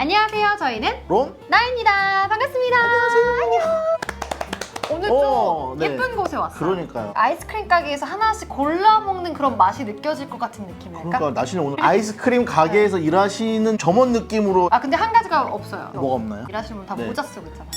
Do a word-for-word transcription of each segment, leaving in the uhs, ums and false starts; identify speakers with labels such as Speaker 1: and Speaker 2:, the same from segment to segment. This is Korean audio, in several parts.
Speaker 1: 안녕하세요. 저희는
Speaker 2: 론?
Speaker 1: 나입니다. 반갑습니다. 안녕하세요. 오늘 좀
Speaker 2: 어, 네.
Speaker 1: 예쁜 곳에 왔어요.
Speaker 2: 그러니까요.
Speaker 1: 아이스크림 가게에서 하나씩 골라 먹는 그런 맛이 느껴질 것 같은 느낌일까?
Speaker 2: 그러니까 나시는 오늘 아이스크림 가게에서 일하시는 점원 느낌으로
Speaker 1: 아 근데 한 가지가 없어요.
Speaker 2: 뭐가 없나요?
Speaker 1: 일하시는 분 다
Speaker 2: 네.
Speaker 1: 모자 쓰고 있잖아요.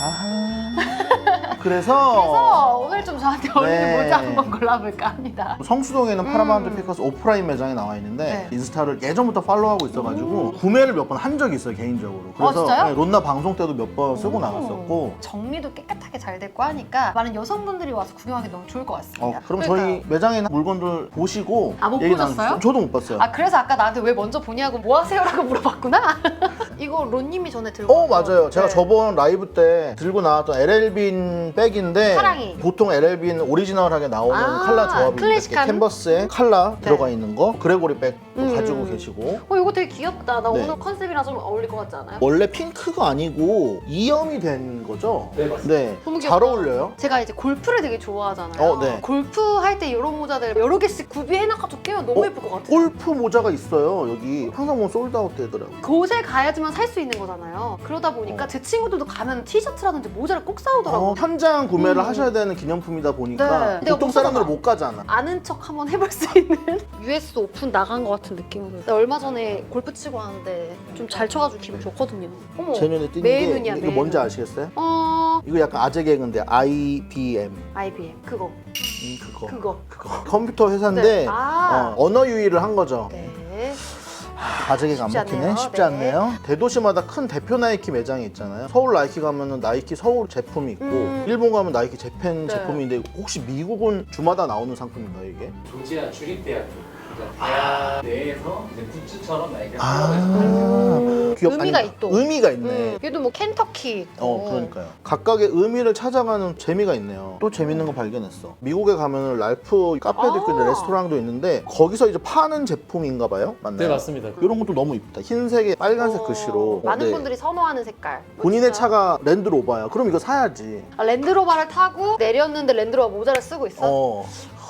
Speaker 2: 아하. 그래서
Speaker 1: 그래서 오늘 좀 저한테 어울리는
Speaker 2: 네.
Speaker 1: 모자 한번 골라볼까 합니다.
Speaker 2: 성수동에는
Speaker 1: 음.
Speaker 2: 파라마운트 피커스 오프라인 매장에 나와 있는데
Speaker 1: 네.
Speaker 2: 인스타를 예전부터 팔로우하고 있어가지고 구매를 몇 번 한 적이 있어요, 개인적으로. 그래서
Speaker 1: 진짜요?
Speaker 2: 네, 론나 방송 때도 몇 번 쓰고
Speaker 1: 오.
Speaker 2: 나갔었고.
Speaker 1: 정리도 깨끗하게 잘 됐고 하니까 많은 여성분들이 와서 구경하기 너무 좋을 것 같습니다.
Speaker 2: 어, 그럼
Speaker 1: 그러니까요.
Speaker 2: 저희 매장에 있는 물건들 보시고
Speaker 1: 아, 못
Speaker 2: 얘기
Speaker 1: 보셨어요?
Speaker 2: 나눠주세요. 저도 못 봤어요.
Speaker 1: 아 그래서 아까 나한테 왜 먼저 보냐고 뭐 하세요라고 물어봤구나. 이거 론님이 전에 들고
Speaker 2: 어
Speaker 1: 왔죠?
Speaker 2: 맞아요. 제가
Speaker 1: 네.
Speaker 2: 저번 라이브 때 들고 나왔던 엘엘빈 백인데
Speaker 1: 사랑이.
Speaker 2: 보통 엘엘빈 오리지널하게 나오는
Speaker 1: 아,
Speaker 2: 컬러 조합인데
Speaker 1: 클래식한?
Speaker 2: 이렇게 캔버스에 컬러
Speaker 1: 네.
Speaker 2: 들어가 있는 거 그레고리 백
Speaker 1: 음.
Speaker 2: 가지고 계시고
Speaker 1: 어 이거 되게 귀엽다. 나
Speaker 2: 네.
Speaker 1: 오늘 컨셉이랑 좀 어울릴 것 같지 않아요?
Speaker 2: 원래 핑크가 아니고 이염이 된 거죠?
Speaker 3: 네, 맞습니다.
Speaker 2: 네.
Speaker 1: 너무
Speaker 2: 잘
Speaker 1: 귀엽다.
Speaker 2: 어울려요.
Speaker 1: 제가 이제 골프를 되게 좋아하잖아요.
Speaker 2: 어, 네.
Speaker 1: 골프 할 때 이런 모자들 여러 개씩 구비해놔가지고 끼면 너무
Speaker 2: 어?
Speaker 1: 예쁠 것 같아요.
Speaker 2: 골프 모자가 있어요. 여기 항상 보면 솔드아웃 되더라고요.
Speaker 1: 곳에 가야지만 살 수 있는 거잖아요. 그러다 보니까
Speaker 2: 어.
Speaker 1: 제 친구들도 가면 티셔츠라든지 모자를 꼭 사오더라고요.
Speaker 2: 어, 현장 구매를
Speaker 1: 음.
Speaker 2: 하셔야 되는 기념품이다 보니까
Speaker 1: 네. 내가
Speaker 2: 보통
Speaker 1: 못
Speaker 2: 사람들은
Speaker 1: 사잖아.
Speaker 2: 못 가잖아.
Speaker 1: 아는 척 한번 해볼 수 있는 유에스 오픈 나간 것 같은 느낌으로. 나 얼마 전에 골프 치고 왔는데 좀 잘 쳐가지고 기분 좋거든요. 어머.
Speaker 2: 제 눈에 띄는
Speaker 1: 매
Speaker 2: 게
Speaker 1: 눈이야,
Speaker 2: 이거
Speaker 1: 매
Speaker 2: 뭔지
Speaker 1: 눈.
Speaker 2: 아시겠어요?
Speaker 1: 어
Speaker 2: 이거 약간 아재 개그인데 아이비엠
Speaker 1: 아이비엠 그거
Speaker 2: 음, 그거.
Speaker 1: 그거.
Speaker 2: 그거. 컴퓨터 회사인데
Speaker 1: 네. 아.
Speaker 2: 어, 언어 유희를 한 거죠.
Speaker 1: 네.
Speaker 2: 하, 아재개가 안
Speaker 1: 쉽지
Speaker 2: 먹히네.
Speaker 1: 않네요.
Speaker 2: 쉽지
Speaker 1: 네.
Speaker 2: 않네요. 대도시마다 큰 대표 나이키 매장이 있잖아요. 서울 나이키 가면은 나이키 서울 제품이 있고
Speaker 1: 음.
Speaker 2: 일본 가면 나이키 재팬
Speaker 1: 네.
Speaker 2: 제품인데 혹시 미국은 주마다 나오는 상품인가요 이게?
Speaker 3: 조지아 주립대학교 그러니까 대학 내에서 이제 굿즈처럼 나이가
Speaker 2: 아, 귀엽-
Speaker 1: 의미가
Speaker 2: 아니,
Speaker 1: 있도.
Speaker 2: 의미가 있네.
Speaker 1: 음, 얘도 뭐 켄터키 있고.
Speaker 2: 어, 그러니까요. 각각의 의미를 찾아가는 재미가 있네요. 또 재밌는 거 발견했어. 미국에 가면은 랄프 카페도 있고
Speaker 1: 아.
Speaker 2: 레스토랑도 있는데 거기서 이제 파는 제품인가 봐요? 맞나요?
Speaker 3: 네 맞습니다.
Speaker 2: 이런 것도 너무 이쁘다. 흰색에 빨간색
Speaker 1: 어,
Speaker 2: 글씨로.
Speaker 1: 많은
Speaker 2: 네.
Speaker 1: 분들이 선호하는 색깔.
Speaker 2: 본인의
Speaker 1: 멋지다.
Speaker 2: 차가 랜드로버야. 그럼 이거 사야지.
Speaker 1: 아, 랜드로버를 타고 내렸는데 랜드로버 모자를 쓰고 있어.
Speaker 2: 어.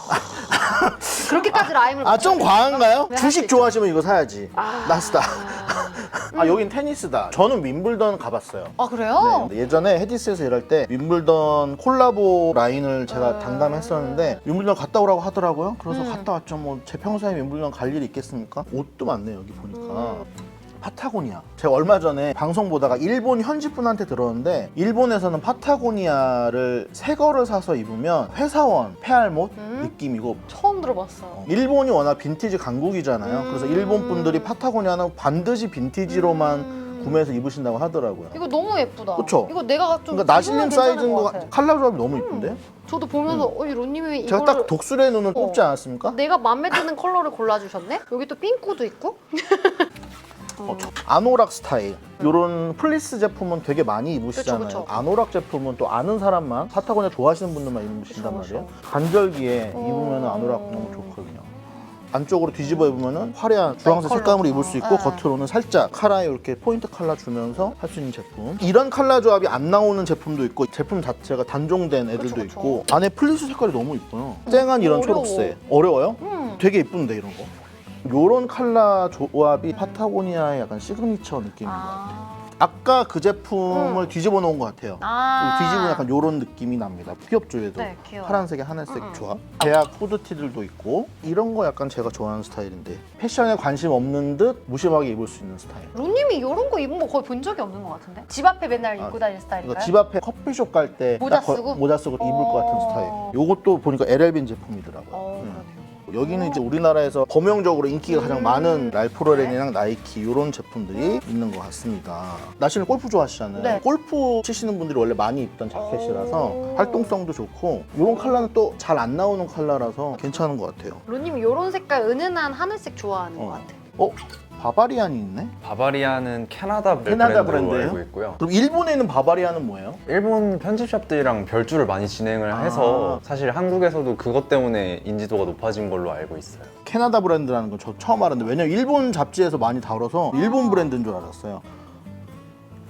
Speaker 1: 그렇게까지 라임을.
Speaker 2: 아, 좀 과한가요?
Speaker 1: 네, 할수
Speaker 2: 주식
Speaker 1: 있죠.
Speaker 2: 좋아하시면 이거 사야지.
Speaker 1: 아.
Speaker 2: 나스다.
Speaker 1: 음.
Speaker 2: 아, 여긴 테니스다. 저는 윈블던 가봤어요.
Speaker 1: 아 그래요?
Speaker 2: 네, 예전에 헤디스에서 일할 때 윈블던 콜라보 라인을 제가
Speaker 1: 아.
Speaker 2: 담당했었는데 윈블던 갔다 오라고 하더라고요. 그래서
Speaker 1: 음.
Speaker 2: 갔다 왔죠. 뭐 제 평소에 윈블던 갈 일이 있겠습니까? 옷도 많네요 여기 보니까.
Speaker 1: 음.
Speaker 2: 파타고니아. 제가 얼마 전에 방송 보다가 일본 현지 분한테 들었는데 일본에서는 파타고니아를 새 거를 사서 입으면 회사원 페알못
Speaker 1: 음.
Speaker 2: 느낌이고
Speaker 1: 처음 들어봤어.
Speaker 2: 어, 일본이 워낙 빈티지 강국이잖아요.
Speaker 1: 음.
Speaker 2: 그래서 일본 분들이 파타고니아는 반드시 빈티지로만
Speaker 1: 음.
Speaker 2: 구매해서 입으신다고 하더라고요.
Speaker 1: 이거 너무 예쁘다.
Speaker 2: 그쵸?
Speaker 1: 이거 내가 좀.
Speaker 2: 그러니까 나실림
Speaker 1: 입으면 괜찮을
Speaker 2: 사이즈인
Speaker 1: 것
Speaker 2: 거
Speaker 1: 같아.
Speaker 2: 칼라 조합이 너무 이쁜데?
Speaker 1: 저도 보면서 어, 이 론님이
Speaker 2: 제가
Speaker 1: 이거를
Speaker 2: 딱 독수리의 눈을 뽑지
Speaker 1: 어.
Speaker 2: 않았습니까?
Speaker 1: 내가 맘에 드는 컬러를 골라주셨네? 여기 또 핑크도 있고?
Speaker 2: 어, 저- 아노락 스타일 이런 플리스 제품은 되게 많이 입으시잖아요.
Speaker 1: 그쵸, 그쵸.
Speaker 2: 아노락 제품은 또 아는 사람만 파타고니아 좋아하시는 분들만 입으신단
Speaker 1: 그쵸,
Speaker 2: 말이에요.
Speaker 1: 그쵸.
Speaker 2: 간절기에
Speaker 1: 어.
Speaker 2: 입으면 아노락 너무 좋거든요. 안쪽으로 뒤집어 입으면 화려한 주황색
Speaker 1: 컬러.
Speaker 2: 색감으로 입을 수 있고
Speaker 1: 네.
Speaker 2: 겉으로는 살짝 카라에 이렇게 포인트 컬러 주면서 할 수 있는 제품. 이런 컬러 조합이 안 나오는 제품도 있고 제품 자체가 단종된 애들도
Speaker 1: 그쵸, 그쵸.
Speaker 2: 있고 안에 플리스 색깔이 너무 이뻐요. 쨍한 이런
Speaker 1: 어려워.
Speaker 2: 초록색. 어려워요?
Speaker 1: 음.
Speaker 2: 되게 이쁜데 이런 거. 요런 컬러 조합이 파타고니아의 약간 시그니처 느낌인 것 같아요.
Speaker 1: 아.
Speaker 2: 아까 그 제품을
Speaker 1: 음.
Speaker 2: 뒤집어 놓은 것 같아요.
Speaker 1: 아.
Speaker 2: 뒤집으면 약간 요런 느낌이 납니다. 귀엽죠 얘도?
Speaker 1: 네, 귀여워.
Speaker 2: 파란색에 하늘색
Speaker 1: 음, 음.
Speaker 2: 조합. 대학 후드티들도 있고 이런 거 약간 제가 좋아하는 스타일인데 패션에 관심 없는 듯 무심하게 입을 수 있는 스타일.
Speaker 1: 론님이 이런 거 입은 거 거의 본 적이 없는 것 같은데? 집 앞에 맨날
Speaker 2: 아,
Speaker 1: 입고 다니는
Speaker 2: 이거
Speaker 1: 스타일인가요?
Speaker 2: 집 앞에 커피숍 갈 때
Speaker 1: 모자
Speaker 2: 딱 거-
Speaker 1: 쓰고?
Speaker 2: 모자 쓰고 입을 것 같은
Speaker 1: 어.
Speaker 2: 스타일. 요것도 보니까 엘엘빈 제품이더라고요.
Speaker 1: 어,
Speaker 2: 음.
Speaker 1: 그러네요.
Speaker 2: 여기는 이제 우리나라에서 범용적으로 인기가 가장
Speaker 1: 음.
Speaker 2: 많은 랄프로렌이랑 나이키 이런 제품들이 있는 것 같습니다. 나시는 골프 좋아하시잖아요.
Speaker 1: 네.
Speaker 2: 골프 치시는 분들이 원래 많이 입던 자켓이라서
Speaker 1: 오.
Speaker 2: 활동성도 좋고 이런 컬러는 또 잘 안 나오는 컬러라서 괜찮은 것 같아요.
Speaker 1: 론님이 이런 색깔 은은한 하늘색 좋아하는
Speaker 2: 어.
Speaker 1: 것 같아.
Speaker 2: 어? 바바리안이 있네?
Speaker 3: 바바리아는 캐나다,
Speaker 2: 캐나다
Speaker 3: 브랜드로
Speaker 2: 브랜드예요?
Speaker 3: 알고 있고요.
Speaker 2: 그럼 일본에 있는 바바리안은 뭐예요?
Speaker 3: 일본 편집샵들이랑 별주를 많이 진행을
Speaker 2: 아.
Speaker 3: 해서 사실 한국에서도 그것 때문에 인지도가 높아진 걸로 알고 있어요.
Speaker 2: 캐나다 브랜드라는 건 저 처음 알았는데 왜냐면 일본 잡지에서 많이 다뤄서 일본 브랜드인 줄 알았어요.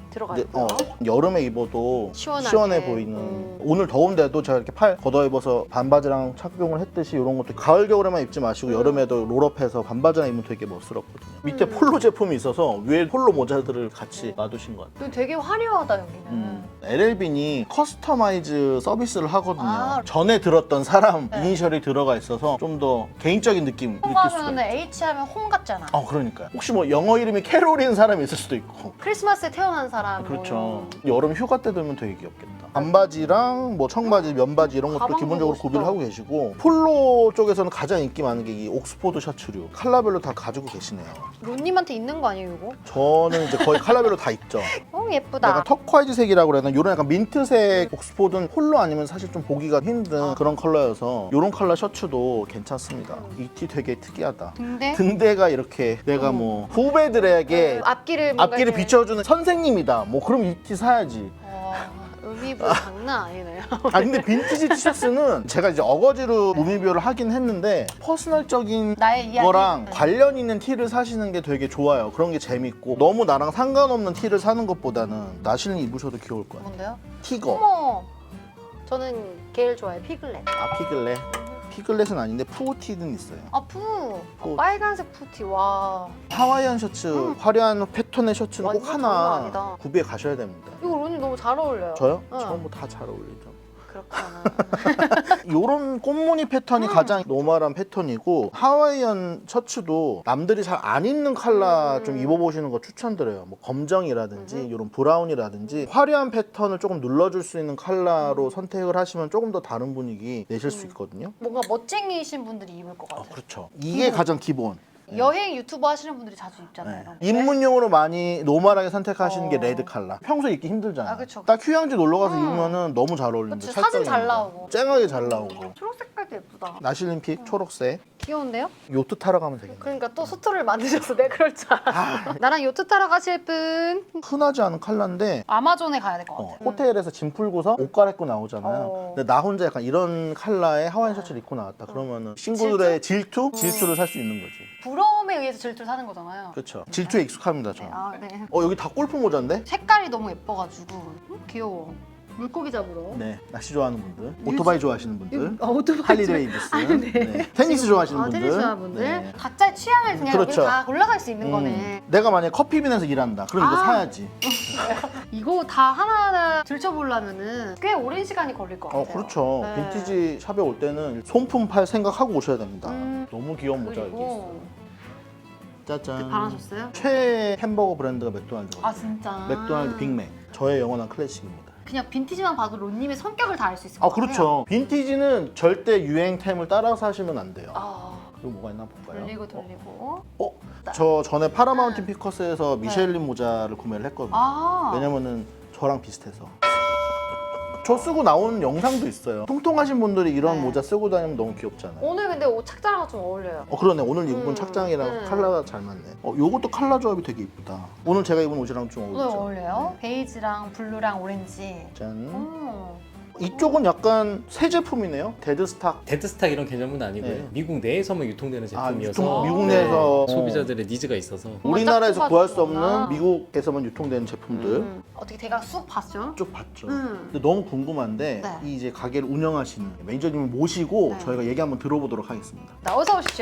Speaker 1: 들어가
Speaker 2: 이제,
Speaker 1: 있고요.
Speaker 2: 어, 여름에 입어도
Speaker 1: 시원하게.
Speaker 2: 시원해 보이는.
Speaker 1: 음.
Speaker 2: 오늘 더운데도 제가 이렇게 팔 걷어 입어서 반바지랑 착용을 했듯이 이런 것도 가을 겨울에만 입지 마시고
Speaker 1: 음.
Speaker 2: 여름에도 롤업해서 반바지랑 입으면 되게 멋스럽거든요. 밑에
Speaker 1: 음.
Speaker 2: 폴로 제품이 있어서 위에 폴로 모자들을 같이 놔두신 것 같아요.
Speaker 1: 여기 되게 화려하다 여기는.
Speaker 2: 음. 엘엘빈이 커스터마이즈 서비스를 하거든요.
Speaker 1: 아.
Speaker 2: 전에 들었던 사람
Speaker 1: 네.
Speaker 2: 이니셜이 들어가 있어서 좀 더 개인적인 느낌 느낄 수가
Speaker 1: 홍하면은
Speaker 2: 있어요.
Speaker 1: H 하면 홍 같잖아.
Speaker 2: 어, 그러니까요. 혹시 뭐 영어 이름이 캐롤인 사람이 있을 수도 있고.
Speaker 1: 크리스마스에 태어난 사람.
Speaker 2: 그렇죠.
Speaker 1: 뭐.
Speaker 2: 여름 휴가 때 들면 되게 귀엽겠다. 반바지랑 뭐 청바지, 면바지 이런 것도
Speaker 1: 가방도
Speaker 2: 기본적으로
Speaker 1: 멋있다.
Speaker 2: 구비를 하고 계시고 폴로 쪽에서는 가장 인기 많은 게 이 옥스포드 셔츠류. 컬러별로 다 가지고 계시네요.
Speaker 1: 론님한테 있는 거 아니에요 이거?
Speaker 2: 저는 이제 거의 컬러별로 다 있죠.
Speaker 1: 어 예쁘다.
Speaker 2: 약간 터콰이즈 색이라고 그래야 되나? 이런 약간 민트색 옥스포드는 폴로 아니면 사실 좀 보기가 힘든
Speaker 1: 아.
Speaker 2: 그런 컬러여서 이런 컬러 셔츠도 괜찮습니다. 이 티 되게 특이하다.
Speaker 1: 등대?
Speaker 2: 등대가 이렇게 내가 뭐 후배들에게
Speaker 1: 앞길을 뭔가
Speaker 2: 앞길을
Speaker 1: 이렇게-
Speaker 2: 비춰주는 선생님이다. 뭐 그럼 이 티 사야지.
Speaker 1: 와, 의미부 장난 아니네요.
Speaker 2: 아 근데 빈티지 티셔츠는 제가 이제 어거지로 무미비어를 하긴 했는데 퍼스널적인
Speaker 1: 나의 이야기.
Speaker 2: 거랑
Speaker 1: 네.
Speaker 2: 관련 있는 티를 사시는 게 되게 좋아요. 그런 게 재밌고 너무 나랑 상관없는 티를 사는 것보다는 나시는 입으셔도 귀여울 것 같아요.
Speaker 1: 뭔데요?
Speaker 2: 티거.
Speaker 1: 어머. 저는 걔를 좋아해요. 피글렛.
Speaker 2: 아 피글렛. 피글렛은 아닌데 푸티는 있어요.
Speaker 1: 아 푸. 어,
Speaker 2: 푸.
Speaker 1: 빨간색 푸티. 와.
Speaker 2: 하와이안 셔츠,
Speaker 1: 음.
Speaker 2: 화려한 패턴의 셔츠는 꼭
Speaker 1: 완전 장난
Speaker 2: 하나
Speaker 1: 아니다.
Speaker 2: 구비해 가셔야 됩니다.
Speaker 1: 이거 론님 너무 잘 어울려요.
Speaker 2: 저요?
Speaker 1: 응.
Speaker 2: 저 뭐 다 잘 어울리죠.
Speaker 1: 그렇구나.
Speaker 2: 이런 꽃무늬 패턴이
Speaker 1: 음.
Speaker 2: 가장 노멀한 패턴이고 하와이안 셔츠도 남들이 잘 안 입는 컬러
Speaker 1: 음.
Speaker 2: 좀 입어보시는 거 추천드려요. 뭐 검정이라든지
Speaker 1: 음.
Speaker 2: 이런 브라운이라든지 화려한 패턴을 조금 눌러줄 수 있는 컬러로 선택을 하시면 조금 더 다른 분위기 내실 수
Speaker 1: 음.
Speaker 2: 있거든요.
Speaker 1: 뭔가 멋쟁이신 분들이 입을 것
Speaker 2: 어,
Speaker 1: 같아요.
Speaker 2: 그렇죠. 이게
Speaker 1: 기본.
Speaker 2: 가장 기본.
Speaker 1: 여행 유튜버 하시는 분들이 자주
Speaker 2: 네.
Speaker 1: 입잖아요.
Speaker 2: 입문용으로 많이 노멀하게 선택하시는 게
Speaker 1: 어.
Speaker 2: 레드 컬러. 평소에 입기 힘들잖아요.
Speaker 1: 아, 그쵸.
Speaker 2: 딱 휴양지 놀러 가서
Speaker 1: 음.
Speaker 2: 입으면 너무 잘 어울리는데
Speaker 1: 그치, 사진 잘
Speaker 2: 찰떡입니다.
Speaker 1: 나오고.
Speaker 2: 쨍하게 잘 나오고.
Speaker 1: 초록 색깔도 예쁘다.
Speaker 2: 나실림픽 초록색.
Speaker 1: 귀여운데요?
Speaker 2: 요트 타러 가면 되겠네.
Speaker 1: 그러니까 또 스토리를 만드셔서 내가 그럴 줄 알아. 나랑 요트 타러 가실 분
Speaker 2: 흔하지 않은 컬러인데
Speaker 1: 아마존에 가야 될 것
Speaker 2: 어,
Speaker 1: 같아.
Speaker 2: 호텔에서 짐 풀고서 옷 갈아입고 나오잖아요.
Speaker 1: 어.
Speaker 2: 근데 나 혼자 약간 이런 컬러의 하와이안 셔츠를 입고 나왔다. 그러면은 친구들의 질투? 질투를 살 수 있는 거지.
Speaker 1: 부러움에 의해서 질투를 사는 거잖아요.
Speaker 2: 그렇죠. 질투에 익숙합니다,
Speaker 1: 네,
Speaker 2: 저는.
Speaker 1: 아, 네.
Speaker 2: 어, 여기 다 골프 모자인데?
Speaker 1: 색깔이 너무 예뻐가지고 음, 귀여워. 물고기 잡으러.
Speaker 2: 네, 낚시 좋아하는 분들, 오토바이 좋아하시는 분들,
Speaker 1: 아, 오토바이
Speaker 2: 할리
Speaker 1: 좀-
Speaker 2: 데이비스,
Speaker 1: 아, 네.
Speaker 2: 네, 테니스 좋아하시는
Speaker 1: 아,
Speaker 2: 분들.
Speaker 1: 테니스 좋아하는 분들.
Speaker 2: 네.
Speaker 1: 각자의 취향을 그냥
Speaker 2: 그렇죠.
Speaker 1: 여기 다 올라갈 수 있는
Speaker 2: 음,
Speaker 1: 거네.
Speaker 2: 내가 만약에 커피빈에서 일한다. 그럼 이거
Speaker 1: 아.
Speaker 2: 사야지.
Speaker 1: 이거 다 하나하나 들춰보려면은 꽤 오랜 시간이 걸릴 것 같아요.
Speaker 2: 어, 그렇죠.
Speaker 1: 네.
Speaker 2: 빈티지 샵에 올 때는 손품 팔 생각하고 오셔야 됩니다.
Speaker 1: 음.
Speaker 2: 너무 귀여운 모자 여기 있어요.
Speaker 1: 그리고
Speaker 2: 짜잔.
Speaker 1: 반하셨어요?
Speaker 2: 최애 햄버거 브랜드가 맥도날드거든요.
Speaker 1: 아 진짜.
Speaker 2: 맥도날드 빅맥. 저의 영원한 클래식입니다.
Speaker 1: 그냥 빈티지만 봐도 론님의 성격을 다 알 수 있을 것
Speaker 2: 아
Speaker 1: 같아요.
Speaker 2: 그렇죠. 빈티지는 절대 유행템을 따라서 하시면 안 돼요.
Speaker 1: 아,
Speaker 2: 그리고 뭐가 있나 볼까요?
Speaker 1: 돌리고 돌리고.
Speaker 2: 어? 저 전에 파라마운틴 피커스에서 미쉐린 모자를 구매를 했거든요.
Speaker 1: 아.
Speaker 2: 왜냐면은 저랑 비슷해서. 저 쓰고 나오는 영상도 있어요. 통통하신 분들이 이런
Speaker 1: 네.
Speaker 2: 모자 쓰고 다니면 너무 귀엽잖아요.
Speaker 1: 오늘 근데 옷 착장하고 좀 어울려요.
Speaker 2: 어 그러네. 오늘 입은
Speaker 1: 음,
Speaker 2: 착장이랑
Speaker 1: 음.
Speaker 2: 컬러가 잘 맞네. 어 요것도 컬러 조합이 되게 이쁘다. 오늘 제가 입은 옷이랑 좀
Speaker 1: 오늘
Speaker 2: 어울리죠.
Speaker 1: 어울려요? 베이지랑 블루랑 오렌지.
Speaker 2: 짠.
Speaker 1: 음.
Speaker 2: 이쪽은 약간 새 제품이네요. 데드스탁.
Speaker 3: 데드스탁 이런 개념은 아니고요.
Speaker 2: 네.
Speaker 3: 미국 내에서만 유통되는
Speaker 2: 아,
Speaker 3: 제품이어서
Speaker 2: 유통, 미국
Speaker 1: 네.
Speaker 2: 내에서
Speaker 3: 소비자들의 니즈가 있어서
Speaker 2: 우리나라에서
Speaker 1: 짝퉁
Speaker 2: 구할 수
Speaker 1: 가지구나.
Speaker 2: 없는 미국에서만 유통되는 제품들
Speaker 1: 음. 어떻게 제가 쑥 봤죠?
Speaker 2: 쭉 봤죠.
Speaker 1: 음.
Speaker 2: 근데 너무 궁금한데
Speaker 1: 네.
Speaker 2: 이 이제 가게를 운영하시는 매니저님을 모시고
Speaker 1: 네.
Speaker 2: 저희가 얘기 한번 들어보도록 하겠습니다.
Speaker 1: 나 어서 오십시오.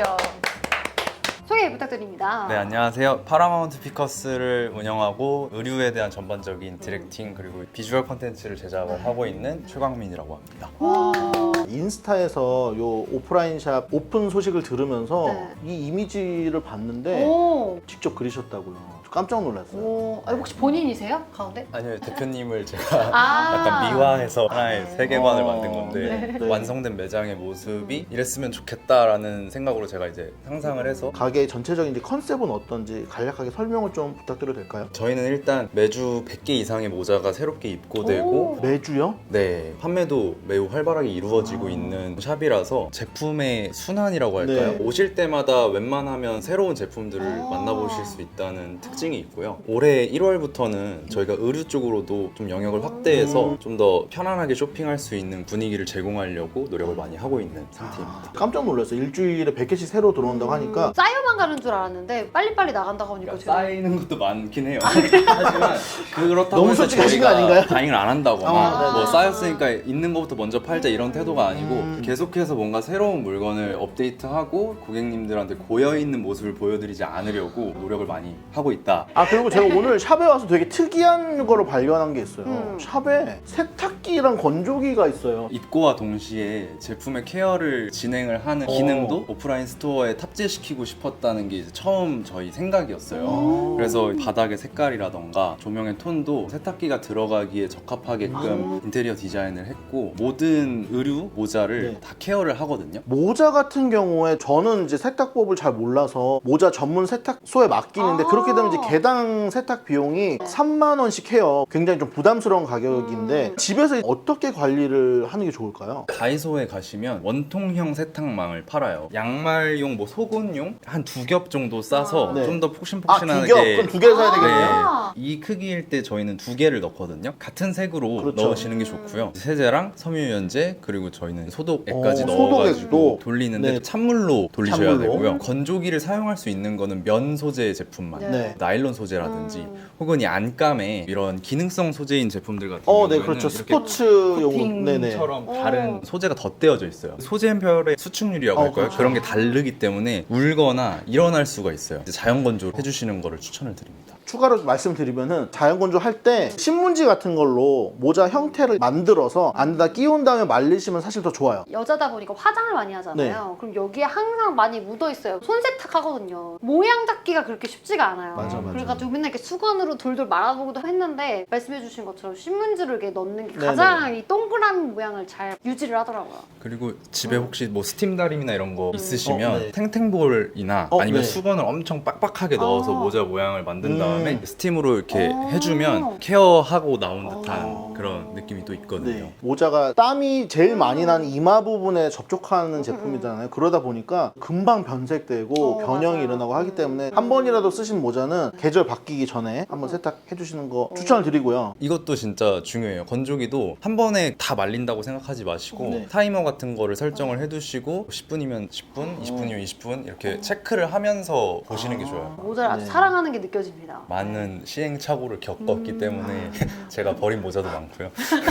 Speaker 1: 소개 부탁드립니다.
Speaker 4: 네, 안녕하세요. 파라마운트 피커스를 운영하고 의류에 대한 전반적인 디렉팅 그리고 비주얼 콘텐츠를 제작을 하고 있는 최광민이라고 합니다.
Speaker 1: 와.
Speaker 2: 인스타에서 요 오프라인 샵 오픈 소식을 들으면서
Speaker 1: 네.
Speaker 2: 이 이미지를 봤는데
Speaker 1: 오.
Speaker 2: 직접 그리셨다고요. 깜짝 놀랐어요.
Speaker 1: 오. 아, 혹시 본인이세요? 가운데?
Speaker 4: 아니요, 대표님을 제가
Speaker 1: 아.
Speaker 4: 약간 미화해서 하나의
Speaker 1: 네.
Speaker 4: 세계관을
Speaker 2: 어,
Speaker 4: 만든 건데
Speaker 2: 네.
Speaker 4: 완성된 매장의 모습이 이랬으면 좋겠다라는 생각으로 제가 이제 상상을 해서
Speaker 2: 가게의 전체적인 이제 컨셉은 어떤지 간략하게 설명을 좀 부탁드려도 될까요?
Speaker 4: 저희는 일단 매주 백 개 이상의 모자가 새롭게 입고되고
Speaker 1: 오.
Speaker 2: 매주요?
Speaker 4: 네, 판매도 매우 활발하게 이루어지고
Speaker 2: 아.
Speaker 4: 있는 샵이라서 제품의 순환이라고 할까요?
Speaker 2: 네.
Speaker 4: 오실 때마다 웬만하면 새로운 제품들을
Speaker 1: 아.
Speaker 4: 만나보실 수 있다는 특징이 있고요. 올해 일월부터는 저희가 의류 쪽으로도 좀 영역을 확대해서
Speaker 2: 음.
Speaker 4: 좀 더 편안하게 쇼핑할 수 있는 분위기를 제공하려고 노력을 많이 하고 있는 상태입니다.
Speaker 2: 깜짝 놀랐어요. 일주일에 백 개씩 새로 들어온다고 하니까
Speaker 1: 쌓여만 가는 줄 알았는데 빨리빨리 나간다고 하니까
Speaker 4: 그러니까
Speaker 1: 제가
Speaker 4: 쌓이는 것도 많긴 해요. 하지만 그렇다고
Speaker 2: 너무
Speaker 4: 해서
Speaker 2: 솔직하신 거
Speaker 4: 저희가
Speaker 2: 아닌가요?
Speaker 4: 다잉을 안 한다거나
Speaker 2: 아,
Speaker 4: 뭐
Speaker 1: 네네.
Speaker 4: 쌓였으니까 있는 것부터 먼저 팔자 이런 태도가 아니고
Speaker 2: 음.
Speaker 4: 계속해서 뭔가 새로운 물건을 업데이트하고 고객님들한테 고여있는 모습을 보여드리지 않으려고 노력을 많이 하고 있다.
Speaker 2: 아 그리고 제가 오늘 샵에 와서 되게 특이한 거를 발견한 게 있어요.
Speaker 1: 음.
Speaker 2: 샵에 세탁기랑 건조기가 있어요.
Speaker 4: 입고와 동시에 제품의 케어를 진행을 하는
Speaker 2: 어.
Speaker 4: 기능도 오프라인 스토어에 탑재시키고 싶었다는 게 이제 처음 저희 생각이었어요.
Speaker 2: 어.
Speaker 4: 그래서 바닥의 색깔이라던가 조명의 톤도 세탁기가 들어가기에 적합하게끔 인테리어 디자인을 했고 모든 의류 모자를
Speaker 2: 네.
Speaker 4: 다 케어를 하거든요.
Speaker 2: 모자 같은 경우에 저는 이제 세탁법을 잘 몰라서 모자 전문 세탁소에 맡기는데
Speaker 1: 아.
Speaker 2: 그렇게 되면 이제 개당 세탁 비용이 삼만 원씩 해요. 굉장히 좀 부담스러운 가격인데
Speaker 1: 음.
Speaker 2: 집에서 어떻게 관리를 하는 게 좋을까요?
Speaker 4: 다이소에 가시면 원통형 세탁망을 팔아요. 양말용, 뭐 속옷용 한 두 겹 정도 싸서
Speaker 1: 아.
Speaker 2: 네.
Speaker 4: 좀 더
Speaker 2: 아, 두
Speaker 4: 폭신폭신하게.
Speaker 2: 겹? 그럼 두 개를 사야 되겠네요?
Speaker 1: 아.
Speaker 4: 이 크기일 때 저희는 두 개를 넣거든요. 같은 색으로
Speaker 2: 그렇죠.
Speaker 4: 넣으시는 게 좋고요. 세제랑 섬유유연제 그리고 저희는 소독액까지
Speaker 2: 어,
Speaker 4: 넣어가지고
Speaker 2: 소독액도?
Speaker 4: 돌리는데
Speaker 2: 네.
Speaker 4: 찬물로 돌리셔야
Speaker 2: 찬물로?
Speaker 4: 되고요. 건조기를 사용할 수 있는 거는 면 소재 제품만,
Speaker 1: 네.
Speaker 2: 네.
Speaker 4: 나일론 소재라든지
Speaker 1: 음.
Speaker 4: 혹은 이 안감에 이런 기능성 소재인 제품들 같은
Speaker 2: 어,
Speaker 4: 경우에는
Speaker 2: 네, 그렇죠.
Speaker 4: 이렇게
Speaker 2: 스포츠용. 네네.
Speaker 4: 코팅처럼
Speaker 1: 어.
Speaker 4: 다른 소재가 덧대어져 있어요. 소재별의 수축률이라고
Speaker 2: 어,
Speaker 4: 할까요?
Speaker 2: 그렇죠.
Speaker 4: 그런 게 다르기 때문에 울거나 일어날 수가 있어요. 이제 자연 건조 해주시는 거를 추천을 드립니다.
Speaker 2: 추가로 말씀드리면은 자연 건조할 때 신문지 같은 걸로 모자 형태를 만들어서 안에다 끼운 다음에 말리시면 사실 더 좋아요.
Speaker 1: 여자다 보니까 화장을 많이 하잖아요. 그럼 여기에 항상 많이 묻어 있어요. 손 세탁하거든요. 모양 잡기가 그렇게 쉽지가 않아요.
Speaker 2: 맞아, 맞아.
Speaker 1: 그래가지고 맨날 이렇게 수건으로 돌돌 말아보기도 했는데 말씀해주신 것처럼 신문지를 이렇게 넣는 게
Speaker 2: 네네.
Speaker 1: 가장 이 동그란 모양을 잘 유지를 하더라고요.
Speaker 4: 그리고 집에 혹시 뭐 스팀 다림이나 이런 거 있으시면
Speaker 2: 어, 네.
Speaker 4: 탱탱볼이나
Speaker 2: 어,
Speaker 4: 아니면
Speaker 2: 네.
Speaker 4: 수건을 엄청 빡빡하게 넣어서
Speaker 1: 아.
Speaker 4: 모자 모양을 만든
Speaker 2: 음.
Speaker 4: 다음에 스팀으로 이렇게
Speaker 1: 어.
Speaker 4: 해주면 케어하고 나온 듯한
Speaker 1: 어.
Speaker 4: 그런 느낌이 또 있거든요.
Speaker 2: 네. 모자가 땀이 제일
Speaker 1: 음.
Speaker 2: 많이 나는 이마 부분에 접촉하는 제품이잖아요. 그러다 보니까 금방 변색되고
Speaker 1: 어,
Speaker 2: 변형이
Speaker 1: 맞아요.
Speaker 2: 일어나고 하기
Speaker 1: 음.
Speaker 2: 때문에 한 번이라도 쓰신 모자는 계절 바뀌기 전에 한번 세탁해 주시는 거 추천을 드리고요.
Speaker 4: 이것도 진짜 중요해요. 건조기도 한 번에 다 말린다고 생각하지 마시고
Speaker 2: 네.
Speaker 4: 타이머 같은 거를 설정을 해두시고 십 분이면 십 분, 이십 분이면 이십 분 이렇게 체크를 하면서 보시는 게 좋아요.
Speaker 1: 모자를 아주
Speaker 2: 네.
Speaker 1: 사랑하는 게 느껴집니다.
Speaker 4: 많은 시행착오를 겪었기
Speaker 1: 음.
Speaker 4: 때문에 제가 버린 모자도 많고요.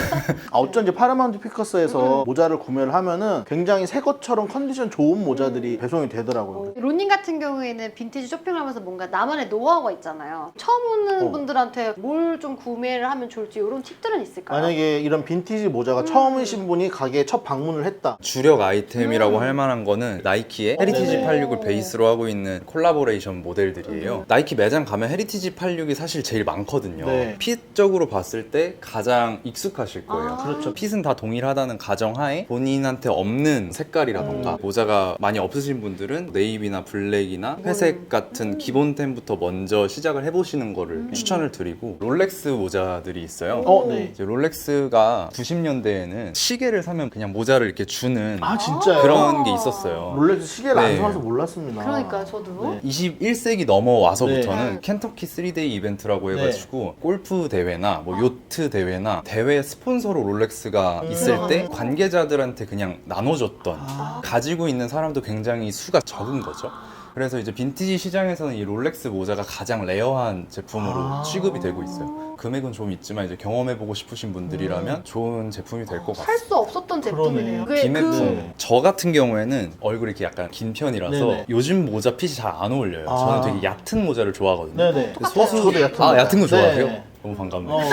Speaker 2: 아, 어쩐지 파라마운트 피커스에서 모자를 구매를 하면은 굉장히 새 것처럼 컨디션 좋은 모자들이 배송이 되더라고요.
Speaker 1: 론님 같은 경우에는 빈티지 쇼핑을 하면서 뭔가 나만의 노하우가 있잖아요. 처음 오는
Speaker 2: 어.
Speaker 1: 분들한테 뭘 좀 구매를 하면 좋을지 이런 팁들은 있을까요?
Speaker 2: 만약에 이런 빈티지 모자가
Speaker 1: 음.
Speaker 2: 처음이신 분이 가게에 첫 방문을 했다.
Speaker 4: 주력 아이템이라고
Speaker 1: 음.
Speaker 4: 할 만한 거는 나이키의 헤리티지
Speaker 2: 네네.
Speaker 4: 팔십육을 베이스로 하고 있는 콜라보레이션 모델들이에요.
Speaker 1: 음.
Speaker 4: 나이키 매장 가면 헤리티지 팔십육이 사실 제일 많거든요.
Speaker 2: 네.
Speaker 4: 핏적으로 봤을 때 가장 익숙하실 거예요.
Speaker 1: 아.
Speaker 2: 그렇죠.
Speaker 4: 핏은 다 동일하다는 가정하에 본인한테 없는 색깔이라던가
Speaker 2: 음.
Speaker 4: 모자가 많이 없으신 분들은 네이비나 블랙이나 회색 같은 기본템부터 먼저 시작을 해보시는 거를
Speaker 1: 음.
Speaker 4: 추천을 드리고 롤렉스 모자들이 있어요.
Speaker 2: 어, 네.
Speaker 4: 이제 롤렉스가 구십 년대에는 시계를 사면 그냥 모자를 이렇게 주는
Speaker 2: 아, 진짜요?
Speaker 4: 그런 게 있었어요.
Speaker 2: 롤렉스 시계를 안
Speaker 4: 네.
Speaker 2: 사서 몰랐습니다.
Speaker 1: 그러니까요, 저도.
Speaker 2: 네.
Speaker 4: 이십일 세기 넘어와서부터는
Speaker 1: 네.
Speaker 4: 켄터키 쓰리 데이 이벤트라고
Speaker 2: 네.
Speaker 4: 해가지고 골프 대회나 뭐 요트 대회나 대회 스폰서로 롤렉스가
Speaker 2: 음.
Speaker 4: 있을 때 관계자들한테 그냥 나눠줬던
Speaker 2: 아.
Speaker 4: 가지고 있는 사람도 굉장히 수가 적은 거죠. 그래서 이제 빈티지 시장에서는 이 롤렉스 모자가 가장 레어한 제품으로
Speaker 2: 아.
Speaker 4: 취급이 되고 있어요. 금액은 좀 있지만 이제 경험해보고 싶으신 분들이라면 좋은 제품이 될 것 같아요.
Speaker 1: 살 수 없었던 제품이네요. 그게
Speaker 4: 기매품.
Speaker 1: 그-
Speaker 4: 저 같은 경우에는 얼굴이 이렇게 약간 긴 편이라서
Speaker 2: 네네.
Speaker 4: 요즘 모자 핏이 잘 안 어울려요.
Speaker 2: 아.
Speaker 4: 저는 되게 얕은 모자를 좋아하거든요.
Speaker 2: 네네.
Speaker 1: 똑같아요.
Speaker 2: 저도 얕은
Speaker 4: 아
Speaker 2: 모자.
Speaker 4: 얕은 거 좋아하세요?
Speaker 2: 네.
Speaker 4: 너무 반갑네요.
Speaker 2: 어.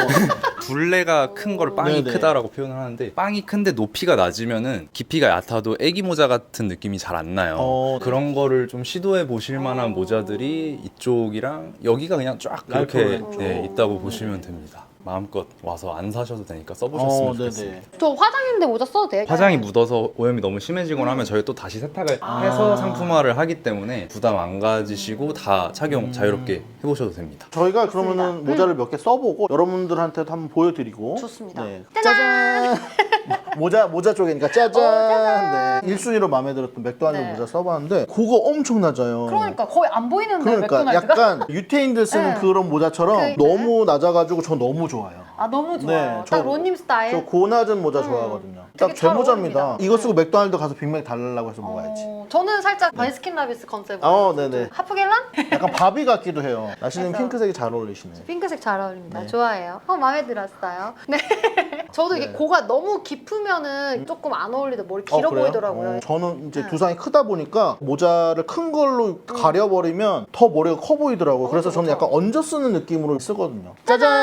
Speaker 4: 둘레가 큰 거를 빵이
Speaker 2: 네네.
Speaker 4: 크다라고 표현을 하는데 빵이 큰데 높이가 낮으면은 깊이가 얕아도 애기 모자 같은 느낌이 잘 안 나요.
Speaker 2: 어.
Speaker 4: 그런 거를 좀 시도해 보실 만한
Speaker 1: 어.
Speaker 4: 모자들이 이쪽이랑 여기가 그냥 쫙 이렇게
Speaker 2: 라이프로
Speaker 4: 네,
Speaker 1: 왼쪽.
Speaker 4: 있다고 보시면 됩니다. 마음껏 와서 안 사셔도 되니까 써보셨으면
Speaker 2: 어,
Speaker 4: 좋겠습니다.
Speaker 2: 네네.
Speaker 1: 저 화장인데 모자 써도 돼요?
Speaker 4: 화장이 묻어서 오염이 너무 심해지거나 하면 저희 또 다시 세탁을
Speaker 2: 아.
Speaker 4: 해서 상품화를 하기 때문에 부담 안 가지시고 다 착용 자유롭게 해보셔도 됩니다.
Speaker 2: 저희가
Speaker 1: 좋습니다.
Speaker 2: 그러면은 모자를 몇 개 써보고 여러분들한테도 한번 보여드리고
Speaker 1: 좋습니다.
Speaker 2: 네.
Speaker 1: 짜잔!
Speaker 2: 짜잔! 모자 모자 쪽이니까 짜잔.
Speaker 1: 어, 짜잔.
Speaker 2: 네. 일 순위로 마음에 들었던 맥도날드
Speaker 1: 네.
Speaker 2: 모자 써봤는데 그거 엄청 낮아요.
Speaker 1: 그러니까 거의 안 보이는데
Speaker 2: 그러니까
Speaker 1: 맥도날드가.
Speaker 2: 약간 유태인들 쓰는
Speaker 1: 네.
Speaker 2: 그런 모자처럼
Speaker 1: 그, 네.
Speaker 2: 너무 낮아가지고 저 너무 좋아요.
Speaker 1: 아 너무 좋아요.
Speaker 2: 네,
Speaker 1: 딱
Speaker 2: 저-
Speaker 1: 로님 스타일.
Speaker 2: 저 고낮은 모자
Speaker 1: 음.
Speaker 2: 좋아하거든요.
Speaker 1: 되게
Speaker 2: 딱 제
Speaker 1: 잘
Speaker 2: 모자입니다.
Speaker 1: 어울립니다.
Speaker 2: 이거 쓰고
Speaker 1: 네.
Speaker 2: 맥도날드 가서 빅맥 달라고 해서 먹어야지.
Speaker 1: 어, 저는 살짝 바스킨라빈스 컨셉으로.
Speaker 2: 어, 네네.
Speaker 1: 하프겔란?
Speaker 2: 약간 바비 같기도 해요. 나시는
Speaker 1: 그래서-
Speaker 2: 핑크색이 잘 어울리시네.
Speaker 1: 핑크색 잘 어울립니다.
Speaker 2: 네.
Speaker 1: 좋아해요. 어, 마음에 들었어요. 네. 저도 이게
Speaker 2: 네.
Speaker 1: 고가 너무 깊으면은 조금 안 어울리다 머리
Speaker 2: 어,
Speaker 1: 길어
Speaker 2: 그래요?
Speaker 1: 보이더라고요.
Speaker 2: 어, 저는 이제
Speaker 1: 네.
Speaker 2: 두상이 크다 보니까 모자를 큰 걸로 가려버리면 더 머리가 커 보이더라고요. 그래서
Speaker 1: 그렇죠,
Speaker 2: 저는
Speaker 1: 그렇죠.
Speaker 2: 약간 얹어 쓰는 느낌으로 쓰거든요.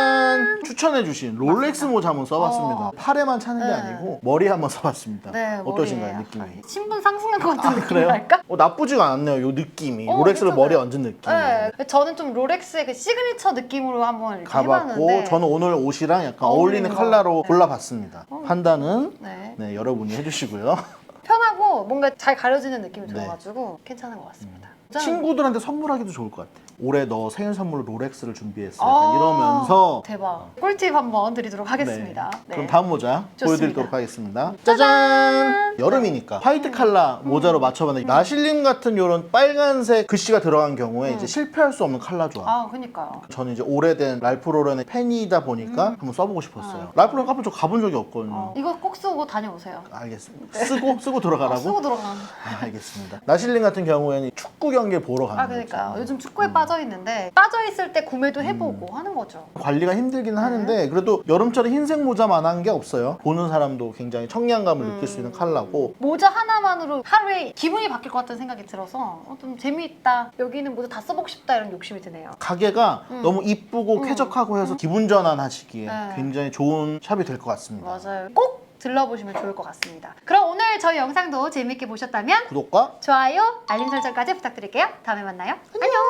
Speaker 2: 짜잔! 추천해주신 롤렉스 모자 한번 써봤습니다.
Speaker 1: 어.
Speaker 2: 팔에만 차는 게
Speaker 1: 네.
Speaker 2: 아니고 머리에 한번 써봤습니다.
Speaker 1: 네,
Speaker 2: 어떠신가요,
Speaker 1: 머리에
Speaker 2: 느낌이?
Speaker 1: 약간 신분 상승한 것 같은
Speaker 2: 아,
Speaker 1: 느낌이랄까?
Speaker 2: 어, 나쁘지가 않네요, 요 느낌이.
Speaker 1: 어,
Speaker 2: 롤렉스를
Speaker 1: 괜찮아요.
Speaker 2: 머리에 얹은 느낌.
Speaker 1: 네. 저는 좀 롤렉스의 그 시그니처 느낌으로 한번 이렇게
Speaker 2: 가봤고
Speaker 1: 해봤는데.
Speaker 2: 저는 오늘 옷이랑 약간
Speaker 1: 어울리는
Speaker 2: 어울리는
Speaker 1: 거.
Speaker 2: 컬러로
Speaker 1: 네.
Speaker 2: 골라봤습니다. 판단은
Speaker 1: 네.
Speaker 2: 네, 여러분이 해주시고요.
Speaker 1: 편하고 뭔가 잘 가려지는 느낌이
Speaker 2: 네.
Speaker 1: 들어가지고 괜찮은 것 같습니다.
Speaker 2: 친구들한테 선물하기도 좋을 것 같아. 올해 너 생일 선물로 롤렉스를 준비했어.
Speaker 1: 아,
Speaker 2: 약간 이러면서
Speaker 1: 대박. 꿀팁 한번 드리도록 하겠습니다.
Speaker 2: 네.
Speaker 1: 네.
Speaker 2: 그럼 다음 모자
Speaker 1: 좋습니다.
Speaker 2: 보여드리도록 하겠습니다. 짜잔! 여름이니까 화이트 컬러 모자로 맞춰봤는데 나실림 같은 이런 빨간색 글씨가 들어간 경우에 이제 실패할 수 없는 컬러 조합.
Speaker 1: 아, 그니까요.
Speaker 2: 저는 이제 오래된 랄프 로렌의 팬이다 보니까 한번 써보고 싶었어요. 랄프 로렌 카페 저 가본 적이 없거든요.
Speaker 1: 어, 이거 꼭 쓰고 다녀오세요.
Speaker 2: 알겠습니다. 쓰고 쓰고 들어가라고.
Speaker 1: 어, 쓰고 들어가는.
Speaker 2: 아, 알겠습니다. 나실림 같은 경우에는 축구 경기를 보러 가는
Speaker 1: 아, 그러니까요.
Speaker 2: 거죠.
Speaker 1: 요즘 축구에 빠져 있는데 빠져 있을 때 구매도 해보고 하는 거죠.
Speaker 2: 관리가 힘들기는
Speaker 1: 네.
Speaker 2: 하는데 그래도 여름철에 흰색 모자만한 게 없어요. 보는 사람도 굉장히 청량감을 느낄 수
Speaker 1: 음.
Speaker 2: 있는 컬러고
Speaker 1: 모자 하나만으로 하루에 기분이 바뀔 것 같다는 생각이 들어서 어, 좀 재미있다. 여기는 모자 다 써보고 싶다 이런 욕심이 드네요.
Speaker 2: 가게가
Speaker 1: 음.
Speaker 2: 너무 이쁘고
Speaker 1: 음.
Speaker 2: 쾌적하고 해서 기분 전환하시기에
Speaker 1: 네.
Speaker 2: 굉장히 좋은 샵이 될 것 같습니다.
Speaker 1: 맞아요. 꼭 들러보시면 좋을 것 같습니다. 그럼 오늘 저희 영상도 재밌게 보셨다면
Speaker 2: 구독과
Speaker 1: 좋아요, 알림 설정까지 부탁드릴게요. 다음에 만나요. 안녕.